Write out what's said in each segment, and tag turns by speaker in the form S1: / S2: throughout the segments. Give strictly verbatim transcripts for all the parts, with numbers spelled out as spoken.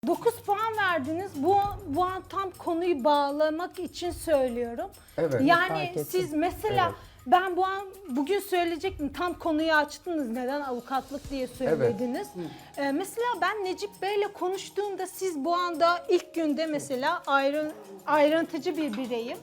S1: dokuz puan verdiniz. Bu, bu an tam konuyu bağlamak için söylüyorum.
S2: Evet.
S1: Yani siz mesela
S2: Evet.
S1: ben bu an bugün söyleyecektim. Tam konuyu açtınız. Neden avukatlık diye söylediniz. Ee, mesela ben Necip Bey'le konuştuğumda siz bu anda ilk günde mesela ayrı, ayrıntıcı bir bireyim.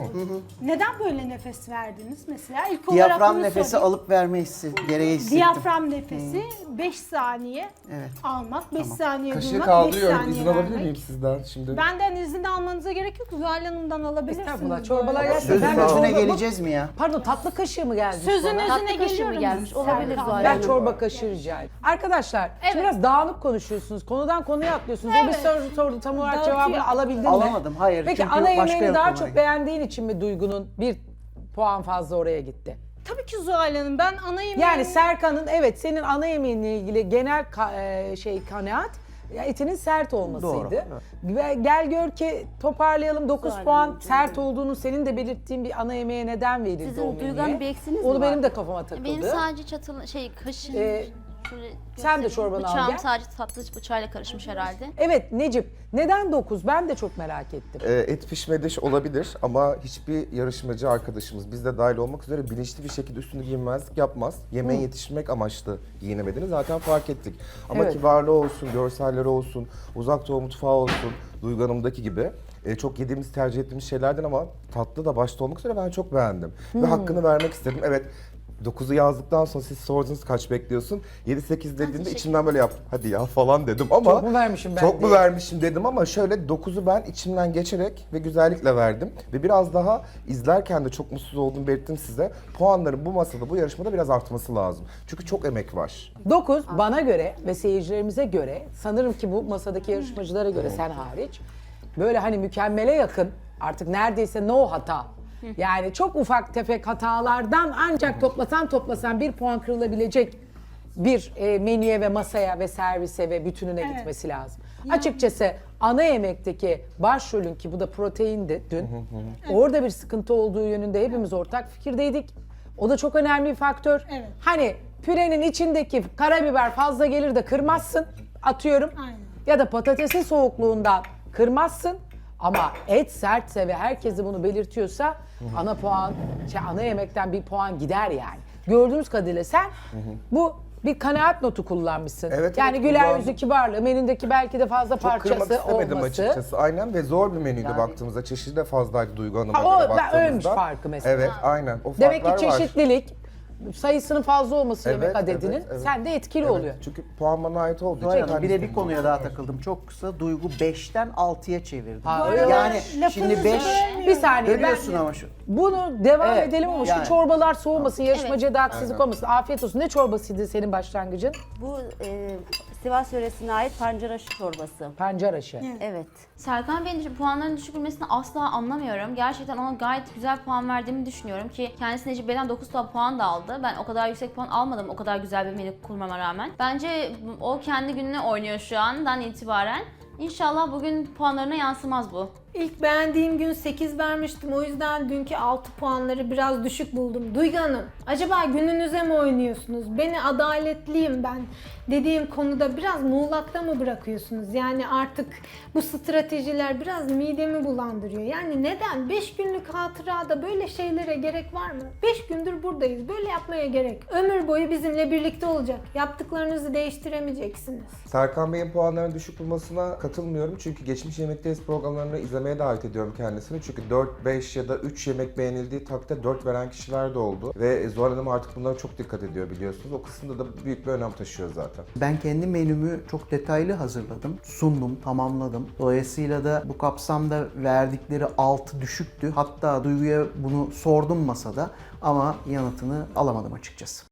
S1: Neden böyle nefes verdiniz mesela? İlk olarak
S3: Diyafram
S1: bunu
S3: nefesi
S1: sorayım.
S3: alıp verme hissi, gereği hissettim.
S1: Diyafram nefesi beş saniye
S3: Evet.
S1: almak, beş saniye
S2: Kaşığı
S1: durmak, beş
S2: kaldırıyorum.
S1: saniye
S2: İzin alabilir
S1: vermek.
S2: miyim sizden şimdi?
S1: Benden izin almanıza gerek yok. Zuhal Hanım'dan alabilirsiniz.
S4: Estağfurullah,
S1: bu
S4: çorbalar
S1: arada.
S4: gelsin.
S3: Sözün
S4: Ben de
S3: özüne
S4: çorba-
S3: geleceğiz mi ya?
S4: Pardon, tatlı kaşığı mı gelmiş
S1: Sözün
S4: bana?
S1: özüne
S5: Tatlı kaşığı mı
S1: geliyorum.
S5: gelmiş? Olabilir
S1: Serkan.
S5: Zuhal
S4: Ben
S5: Hanım.
S4: çorba kaşığı rica edeyim. Arkadaşlar, şimdi
S1: Evet.
S4: biraz dağınık konuşuyorsunuz. Konudan konuya atlıyorsunuz. O bir
S1: Evet.
S4: soru sordu, tam olarak
S1: Dağıtıyor.
S4: cevabını alabildin mi?
S3: Alamadım, hayır.
S4: Peki
S3: Çünkü
S4: ana
S3: başka
S4: yemeğini
S3: yok
S4: daha
S3: konuya
S4: çok
S3: gitti.
S4: beğendiğin için mi Duygu'nun bir puan fazla oraya gitti?
S1: Tabii ki Zuhal Hanım. Ben ana yemeğimi...
S4: Yani Serkan'ın, evet, senin ana yemeğinle ilgili genel ka- e, şey kanaat ya etinin sert olmasıydı.
S3: Doğru,
S4: Ve gel gör ki toparlayalım, dokuz
S5: Zuhal
S4: puan
S5: Hanımcığım.
S4: sert olduğunu senin de belirttiğin bir ana yemeğe neden verildi
S5: Sizin
S4: o menüye?
S5: Duygu Hanım bir eksiniz mi
S4: Onu
S5: var?
S4: benim de kafama takıldı.
S6: Benim sadece çatıl şey kaşın
S4: Ee,
S6: şöyle
S4: sen de
S6: göstereyim.
S4: çorbanı al
S6: Bıçağım
S4: gel.
S6: sadece tatlı bıçağıyla karışmış herhalde.
S4: Evet Necip, neden dokuz? Ben de çok merak ettim.
S2: Ee, et pişme diş olabilir ama hiçbir yarışmacı arkadaşımız, biz de dahil olmak üzere bilinçli bir şekilde üstünü giyinmezlik yapmaz. Yemeğe yetişmek amaçlı giyinemediğini zaten fark ettik. Ama
S4: Evet.
S2: kibarlığı olsun, görselleri olsun, uzak doğu mutfağı olsun, Duygu Hanım'daki gibi e, çok yediğimiz, tercih ettiğimiz şeylerden ama tatlı da başta olmak üzere ben çok beğendim. Ve hakkını vermek istedim. Evet, dokuzu yazdıktan sonra siz sordunuz kaç bekliyorsun? yedi sekiz dediğinde
S6: teşekkür
S2: içimden böyle yaptım. Hadi ya falan dedim ama
S4: Çok mu vermişim ben
S2: Çok mu
S4: diye.
S2: vermişim dedim ama şöyle dokuzu ben içimden geçerek ve güzellikle verdim. Ve biraz daha izlerken de çok mutsuz olduğumu belirttim size. Puanların bu masada, bu yarışmada biraz artması lazım. Çünkü çok emek var.
S4: dokuz bana göre ve seyircilerimize göre, sanırım ki bu masadaki yarışmacılara göre sen hariç, böyle hani mükemmele yakın, artık neredeyse no hata. Yani çok ufak tefek hatalardan ancak toplasan toplasan bir puan kırılabilecek bir e, menüye ve masaya ve servise ve bütününe
S1: Evet.
S4: gitmesi lazım. Açıkçası ana yemekteki başrolün, ki bu da proteindi dün, orada bir sıkıntı olduğu yönünde hepimiz ortak fikirdeydik. O da çok önemli bir faktör.
S1: Evet.
S4: Hani pürenin içindeki karabiber fazla gelir de kırmazsın, atıyorum.
S1: Aynen.
S4: Ya da patatesin soğukluğundan kırmazsın. Ama et sertse ve herkes de bunu belirtiyorsa ana puan, şey, ana yemekten bir puan gider yani. Gördüğümüz kadarıyla sen bu bir kanaat notu kullanmışsın.
S2: Evet,
S4: yani
S2: evet,
S4: güler
S2: kullandım.
S4: yüzü, kibarlığı, menündeki belki de fazla
S2: Çok kırmak
S4: parçası
S2: istemedim
S4: olması.
S2: açıkçası. Aynen, ve zor bir menüydü baktığımızda. Çeşidi de fazlaydı Duygu Hanım'a
S4: Ha, o
S2: göre
S4: da
S2: baktığımızda.
S4: ölmüş farkı mesela.
S2: Evet, aynen. O
S4: Demek ki
S2: farklar var.
S4: çeşitlilik, sayısının fazla olması
S2: Evet,
S4: yemek adedinin
S2: evet, evet.
S4: sende etkili
S2: Evet,
S4: oluyor.
S2: Çünkü puan bana ait olduğu
S3: Zuhal
S2: için.
S3: Hanım,
S2: ben
S3: bir de bir
S2: istedim.
S3: konuya daha takıldım. Çok kısa, Duygu beşten altıya çevirdi.
S4: Ha, öyle mi?
S3: Yani
S1: Lafınızı
S3: şimdi beş
S1: bölmüyorum.
S4: Bir saniye ben
S3: bölüyorsun ama şu.
S4: bunu devam
S3: Evet,
S4: edelim ama
S3: yani.
S4: şu çorbalar soğumasın, yarışmacıya da haksızlık
S2: Aynen.
S4: olmasın. Afiyet olsun. Ne çorbasıydı senin başlangıcın?
S5: Bu e, Sivas yöresine ait pancaraşı çorbası.
S4: Pancar aşı.
S5: Evet.
S6: Serkan Bey'in düşük- puanların düşük bilmesini asla anlamıyorum. Gerçekten ona gayet güzel puan verdiğimi düşünüyorum ki kendisi Necip Bey'den dokuz puan da aldı. Ben o kadar yüksek puan almadım o kadar güzel bir menü kurmama rağmen. Bence o kendi gününe oynuyor şu andan itibaren. İnşallah bugün puanlarına yansımaz bu.
S1: İlk beğendiğim gün sekiz vermiştim. O yüzden dünkü altı puanları biraz düşük buldum. Duygu Hanım, acaba gününüze mi oynuyorsunuz? Beni adaletliyim ben dediğim konuda biraz muğlakta mı bırakıyorsunuz? Yani artık bu stratejiler biraz midemi bulandırıyor. Yani neden? beş günlük hatırada böyle şeylere gerek var mı? beş gündür buradayız. Böyle yapmaya gerek. Ömür boyu bizimle birlikte olacak. Yaptıklarınızı değiştiremeyeceksiniz.
S2: Serkan Bey'in puanlarının düşük bulmasına katılmıyorum. Çünkü geçmiş Yemekteyiz programlarını izlemeye davet ediyorum kendisini. Çünkü dört, beş ya da üç yemek beğenildiği takdirde dört veren kişiler de oldu. Ve Zuhal Hanım artık bunlara çok dikkat ediyor biliyorsunuz. O kısımda da büyük bir önem taşıyor zaten.
S3: Ben kendi menümü çok detaylı hazırladım. Sundum, tamamladım. Dolayısıyla da bu kapsamda verdikleri altı düşüktü. Hatta Duygu'ya bunu sordum masada ama yanıtını alamadım açıkçası.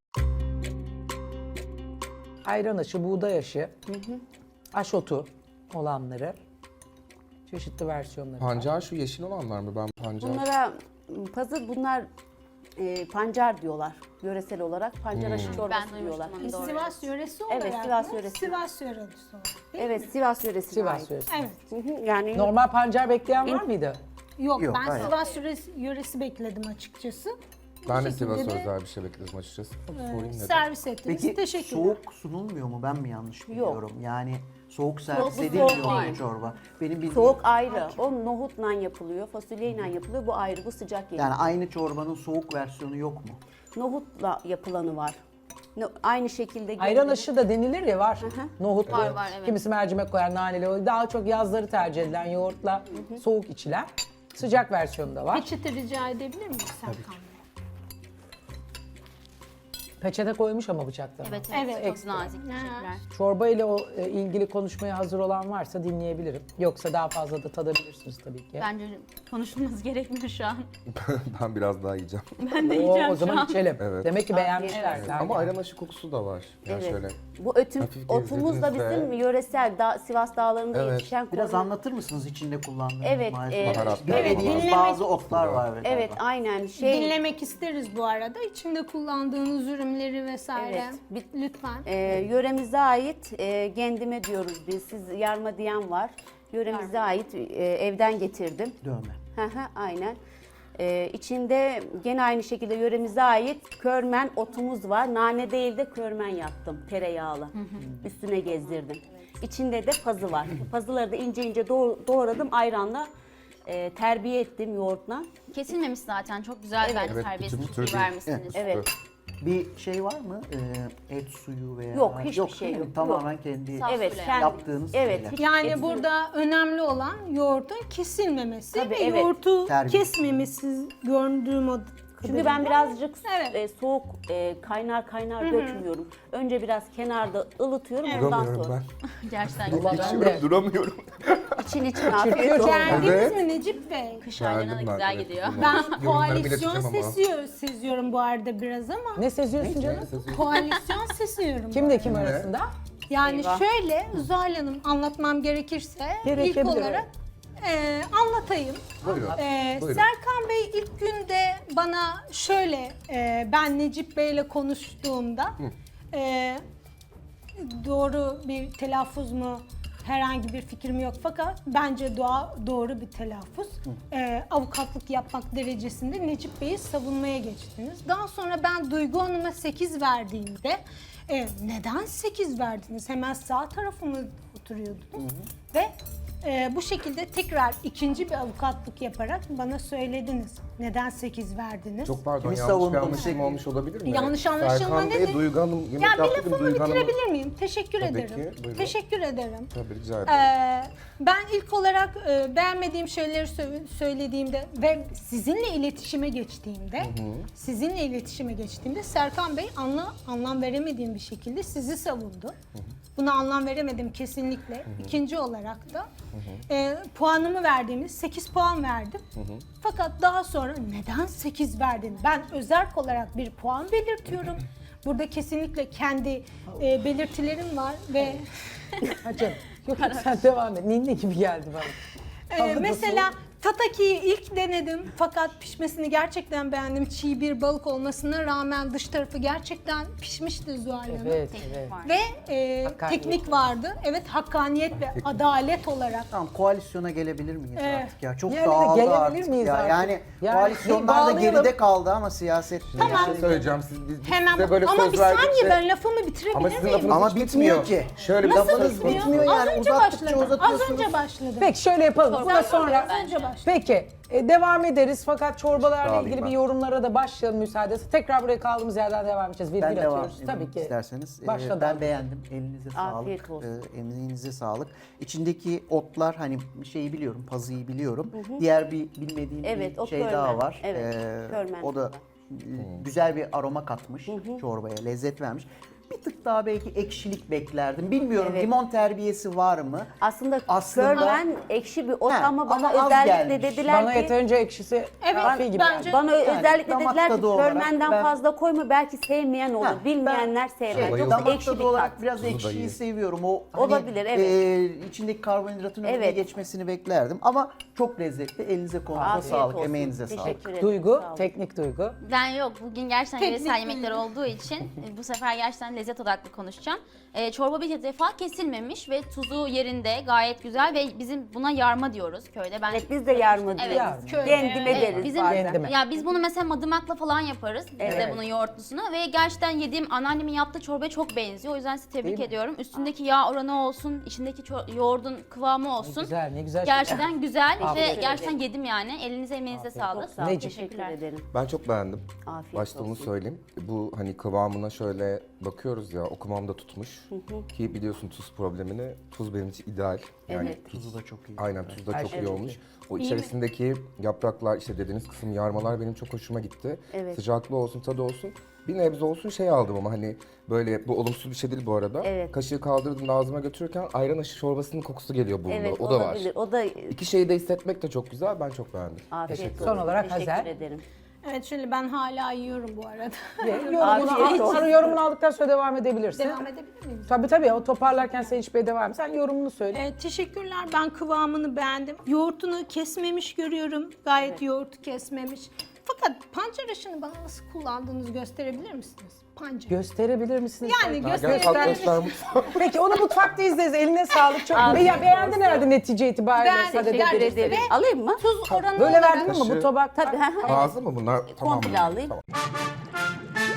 S4: Ayran aşı, buğday aşı, aşotu olanları, çeşitli versiyonları. var.
S2: Pancar şu yeşil olanlar mı? Ben pancar...
S5: Bunlara pazı bunlar e, pancar diyorlar yöresel olarak. Pancaraşı çorbası
S6: Ben
S5: diyorlar.
S6: duymuştum onu, doğru.
S1: Sivas yöresi olarak
S5: Evet, Sivas
S1: mı?
S5: yöresi.
S1: Sivas yöresi olarak. değil mi?
S5: Evet, Sivas yöresine
S4: Sivas
S5: ait.
S4: yöresi.
S1: Evet.
S5: Hı hı, yani
S4: Normal pancar bekleyen var mıydı?
S1: Yok,
S3: Yok,
S1: ben
S3: hayır.
S1: Sivas yöresi, yöresi bekledim açıkçası.
S2: Ben de
S1: Bu şekilde
S2: Sivas'a
S1: de,
S2: özel bir şey bekledim açıkçası. Sorayım dedim.
S1: servis ettiniz.
S3: Peki
S1: Teşekkürler.
S3: soğuk sunulmuyor mu? Ben mi yanlış biliyorum? Yani soğuk servis
S5: Soğuk-
S3: edilmiyor
S5: soğuk
S3: mu
S5: değil.
S3: çorba? Benim bildiğim
S5: Soğuk ayrı. O nohutla yapılıyor, fasulyeyle yapılıyor. Bu ayrı, bu sıcak geliyor.
S3: yani aynı çorbanın soğuk versiyonu yok mu?
S5: Nohutla yapılanı var. No- aynı şekilde
S4: Ayran
S5: geliyor.
S4: aşı da denilir ya var. Nohutlu.
S6: Var, var, evet.
S4: Kimisi mercimek koyar, naneli. O daha çok yazları tercih edilen yoğurtla soğuk içilen. Sıcak versiyonu da var.
S1: Peçete rica edebilir miyim Serkan Bey?
S4: Peçete koymuş ama bıçakta.
S6: Evet, evet,
S1: Evet.
S6: çok
S4: Ekstra.
S6: nazik. Teşekkürler.
S4: Çorba ile o e, ilgili konuşmaya hazır olan varsa dinleyebilirim. Yoksa daha fazla da tadabilirsiniz tabii ki.
S6: Bence konuşulması gerekmiyor şu an.
S2: Ben biraz daha yiyeceğim.
S6: Ben de
S4: o,
S6: yiyeceğim
S4: o
S6: şu
S4: zaman
S6: an.
S4: içelim.
S2: Evet.
S4: Demek ki beğenmişler.
S5: Evet.
S4: Yani.
S2: Ama ayran aşı kokusu da var. Yani
S5: Evet.
S2: şöyle.
S5: Bu ötüm,
S2: Hafif
S5: otumuz da
S2: gezdirdiğinizde-
S5: bizim yöresel da, Sivas dağlarında
S2: Evet.
S5: yetişen
S3: Biraz
S5: konu-
S3: anlatır mısınız içinde kullandığınız
S5: Evet,
S3: malzemeleri?
S5: e,
S2: Baharatlar.
S3: Bilmediğimiz
S1: Evet,
S3: bazı otlar var.
S5: Evet, aynen. Şey,
S1: Dinlemek isteriz bu arada. İçinde kullandığınız ürünleri vesaire.
S5: Evet. Bir-
S1: Lütfen.
S5: e, yöremize ait e, gendime diyoruz biz. Siz yarma diyen var. Yöremize ait e, evden getirdim.
S3: Dövme.
S5: Hı hı, aynen. Ee, içinde gene aynı şekilde yöremize ait körmen otumuz var. Nane değil de körmen yaptım, tereyağlı. Üstüne gezdirdim. İçinde de pazı var. Pazıları da ince ince doğ- doğradım ayranla. e, terbiye ettim yoğurtla.
S6: Kesilmemiş zaten. Çok güzel bence
S2: Evet,
S6: terbiyesi
S2: bütün
S6: çok iyi
S2: türlü-
S6: vermişsiniz.
S5: Evet.
S3: Bir şey var mı? Ee, et suyu veya...
S5: Yok, hiçbir şey
S3: değil mi?
S5: yok.
S3: Tamamen kendi
S6: Saf
S5: Evet,
S6: suyla
S5: kendi-
S3: yaptığınız
S5: Evet.
S3: şeyler.
S5: hiç
S1: Yani
S5: et-
S1: burada önemli olan yoğurdun kesilmemesi
S5: Tabii,
S1: ve
S5: evet.
S1: yoğurtu
S3: Terbiye.
S1: kesmemesi gördüğüm o
S5: Çünkü ben birazcık
S1: Evet.
S5: e, soğuk e, kaynar kaynar dökmüyorum. Önce biraz kenarda ılıtıyorum ondan
S2: Duramıyorum
S5: sonra.
S2: ben.
S6: Gerçekten
S4: Vallahi
S6: güzel.
S4: ben de.
S2: İçiyorum, duramıyorum.
S5: İçin için afiyet olsun.
S1: Geldiniz
S2: Evet.
S1: mi Necip Bey?
S6: Kış aylarına da
S2: Geldim ben,
S6: güzel
S2: evet,
S6: gidiyor.
S2: kızım.
S1: Ben
S2: Yorumlarımı
S1: koalisyon
S2: ileteceğim ama.
S1: sesiyor, seziyorum bu arada biraz ama.
S4: Ne seziyorsun canım?
S1: Koalisyon seziyorum.
S4: Kimle kim arasında?
S1: Yani
S5: Eyvah.
S1: şöyle Zuhal Hanım anlatmam gerekirse
S4: Gerekebilir,
S1: ilk olarak e, anlatayım.
S2: Buyurun.
S1: E,
S2: Buyurun.
S1: Serkan Bey ilk günde bana şöyle e, ben Necip Bey'le konuştuğumda e, doğru bir telaffuz mu herhangi bir fikrim yok fakat bence doğa, doğru bir telaffuz. E, avukatlık yapmak derecesinde Necip Bey'i savunmaya geçtiniz. Daha sonra ben Duygu Hanım'a sekiz verdiğimde e, neden sekiz verdiniz? Hemen sağ tarafıma oturuyordunuz ve e, bu şekilde tekrar ikinci bir avukatlık yaparak bana söylediniz. Neden sekiz verdiniz?
S2: Çok pardon,
S3: Kimi
S2: yanlış bir
S3: savundunuz?
S2: anlaşılma olmuş olabilir mi?
S1: Yanlış anlaşılma
S2: Serkan Bey,
S1: nedir?
S2: Duygu Hanım yemek
S1: Ya bir
S2: yaptı,
S1: lafımı
S2: Duygu Hanım'ın-
S1: bitirebilir miyim? Teşekkür
S2: Tabii
S1: ederim.
S2: ki, buyurun.
S1: Teşekkür ederim.
S2: Tabii, rica ederim.
S1: Ee, ben ilk olarak e, beğenmediğim şeyleri sö- söylediğimde ve sizinle iletişime geçtiğimde, sizinle iletişime geçtiğimde Serkan Bey anla, anlam veremediğim bir şekilde sizi savundu. Buna anlam veremedim kesinlikle. İkinci olarak da e, puanımı verdiğimiz sekiz puan verdim. Fakat daha sonra neden sekiz verdin? Ben özerk olarak bir puan belirtiyorum. Burada kesinlikle kendi e, belirtilerim var ve
S4: Hacım. Yok sen devam et. Ninni gibi geldi bana.
S1: Ee,
S4: Havada
S1: mesela tatakiyi ilk denedim fakat pişmesini gerçekten beğendim. Çiğ bir balık olmasına rağmen dış tarafı gerçekten pişmişti Zuhal Hanım.
S4: Evet,
S6: Teknik
S4: evet.
S6: var.
S1: Ve e,
S4: Hakkaniyet.
S1: teknik vardı. Evet, hakkaniyet ve adalet olarak.
S3: Tamam, koalisyona gelebilir miyiz
S1: Evet.
S3: artık ya? Çok
S4: Yani
S3: dağıldı
S4: gelebilir
S3: artık
S4: miyiz
S3: ya.
S4: artık?
S3: Yani,
S4: Yani
S3: koalisyonlar da
S4: bağlayalım.
S3: geride kaldı ama siyaset...
S1: Tamam.
S2: Bir şey söyleyeceğim. Siz, biz, biz
S1: Hemen
S2: size böyle
S1: ama
S2: söz
S1: bir
S2: verdikçe-
S1: saniye ben lafımı bitirebilir
S2: Ama sizin
S1: miyim?
S2: lafınız
S3: Ama
S2: hiç
S3: bitmiyor ki.
S2: Şöyle bir
S1: Nasıl
S2: lafınız
S1: bitmiyor?
S3: bitmiyor yani,
S1: Az önce
S3: uzattıkça
S1: başladım. Az
S3: uzatıyorsunuz.
S1: önce başladım.
S4: Peki şöyle yapalım. Buna
S1: Serkan Bey,
S4: sonra...
S1: az önce başladım.
S4: Peki e, devam ederiz fakat çorbalarla
S2: Sağ olun
S4: ilgili
S2: ben.
S4: bir yorumlara da başlayalım müsaadesi. Tekrar buraya kaldığımız yerden devam edeceğiz. Virgül
S3: Ben devam
S4: atıyoruz.
S3: edeyim
S4: Tabii ki.
S3: isterseniz. Ee,
S4: Başladı.
S3: ben beğendim. Elinize
S5: Afiyet
S3: sağlık.
S5: olsun.
S3: Ee, emeğinize sağlık. İçindeki otlar, hani şeyi biliyorum, pazıyı biliyorum. Diğer bir bilmediğim
S5: Evet,
S3: bir
S5: o
S3: şey
S5: körmen.
S3: daha var.
S5: Evet,
S3: Ee,
S5: körmen
S3: o da
S5: var.
S3: e, güzel bir aroma katmış çorbaya, lezzet vermiş. Bir tık daha belki ekşilik beklerdim. Bilmiyorum,
S5: Evet.
S3: limon terbiyesi var mı?
S5: Aslında,
S3: Aslında-
S5: körmen ekşi bir ot
S3: He,
S5: ama bana
S3: ama az
S5: özellikle
S3: gelmiş.
S5: dediler
S4: Bana
S5: ki
S4: yeterince ekşisi
S1: Evet,
S4: kafi gibi
S1: bence-
S4: geldi.
S5: bana
S3: Yani
S5: özellikle
S3: damak
S5: dediler ki
S3: tadı olarak
S5: körmenden
S3: ben-
S5: fazla koyma belki sevmeyen olur.
S3: Ha,
S5: Bilmeyenler
S3: ben
S5: sevmez.
S3: şey,
S5: Yoksa
S3: damak
S5: ekşi
S3: tadı
S5: bir
S3: olarak
S5: tat.
S3: biraz
S2: Tuzu da
S3: ekşiyi
S2: iyi.
S3: seviyorum. O hani,
S5: Olabilir, evet.
S3: e, içindeki karbonhidratın önüne
S5: Evet.
S3: geçmesini beklerdim. Ama çok lezzetli. Elinize kolunuza
S5: Afiyet
S3: sağlık,
S5: olsun.
S3: emeğinize
S5: Teşekkür
S3: sağlık.
S5: ederim.
S4: Duygu,
S5: Sağ olun.
S4: teknik duygu.
S6: Ben yok. Bugün gerçekten
S1: Teknik
S6: yöresel
S1: mi?
S6: yemekler olduğu için e, bu sefer gerçekten lezzet odaklı konuşacağım. Ee, çorba bir defa kesilmemiş ve tuzu yerinde, gayet güzel ve bizim buna yarma diyoruz köyde. Ben
S5: Evet biz de yarma diyoruz.
S4: Yarma.
S1: Köyde,
S5: Kendime
S1: evet.
S5: deriz
S6: Bizim
S5: bazen.
S4: Kendime.
S6: ya biz bunu mesela madımakla falan yaparız. Biz de
S5: Evet.
S6: bunun yoğurtlusunu ve gerçekten yediğim anneannemin yaptığı çorbaya çok benziyor. O yüzden sizi tebrik
S4: Değil mi?
S6: ediyorum. Üstündeki yağ oranı olsun, içindeki ço- yoğurdun kıvamı olsun.
S4: Güzel, ne güzel.
S6: Gerçekten güzel
S4: Afiyet
S6: ve gerçekten yedim yani. Elinize emeğinize sağlık.
S5: Sağ ol,
S4: Necip.
S5: teşekkür
S6: Teşekkürler.
S5: ederim.
S2: Ben çok beğendim.
S5: Afiyet
S2: Başta onu
S5: olsun.
S2: söyleyeyim. Bu hani kıvamına şöyle bakıyoruz ya, o kıvamda tutmuş. Ki biliyorsun tuz problemini. Tuz benim için ideal. Yani
S5: Evet.
S3: Tuzu da çok iyi.
S2: aynen tuz da
S4: Her
S2: çok
S4: şey
S2: iyi
S4: çok
S2: olmuş.
S4: iyi.
S2: O içerisindeki yapraklar, işte dediğiniz kısım yarmalar benim çok hoşuma gitti.
S5: Evet.
S2: Sıcaklığı olsun, tadı olsun. Bir nebze olsun şey aldım ama hani böyle, bu olumsuz bir şey değil bu arada.
S5: Evet.
S2: Kaşığı kaldırdığımda ağzıma götürürken ayran aşı çorbasının kokusu geliyor burnuma.
S5: Evet
S2: o da var.
S5: olabilir. O da
S2: İki şeyi de hissetmek de çok güzel. Ben çok beğendim.
S5: afiyet
S2: Teşekkür
S5: olsun.
S4: Son olarak
S5: Teşekkür
S4: Hazel.
S5: ederim.
S1: Evet şöyle ben hala yiyorum bu arada.
S4: Yorumunu,
S5: Afiyet
S4: al,
S5: olsun.
S4: sonra yorumunu aldıktan sonra devam edebilirsin.
S1: Devam edebilir miyiz?
S4: Tabii tabii, o toparlarken sen hiç Bey devam et. Sen yorumunu söyle.
S1: Evet, teşekkürler. Ben kıvamını beğendim. Yoğurtunu kesmemiş görüyorum. Gayet yoğurtu kesmemiş. Fakat pancar aşını bana nasıl kullandığınızı gösterebilir misiniz? Pancar.
S4: Gösterebilir misiniz?
S1: Yani
S2: Ha, gel kalk
S1: gösterebilir
S2: göster
S1: misiniz?
S2: mutfağı.
S4: Peki onu mutfakta izleriz. Eline sağlık. Çok
S5: Afiyet
S4: ya beğendin
S5: olsun.
S4: herhalde netice itibariyle.
S1: Ben
S4: Sadece
S1: teşekkür
S4: dediniz.
S1: ederim.
S5: Alayım mı?
S1: Tuz oranı
S4: Böyle
S1: olarak-
S4: verdin mi bu
S2: Kaşığı.
S4: tabak?
S5: Tabii.
S2: Ağzı mı bunlar? Tamam.
S5: Komple alayım.
S2: Tamam.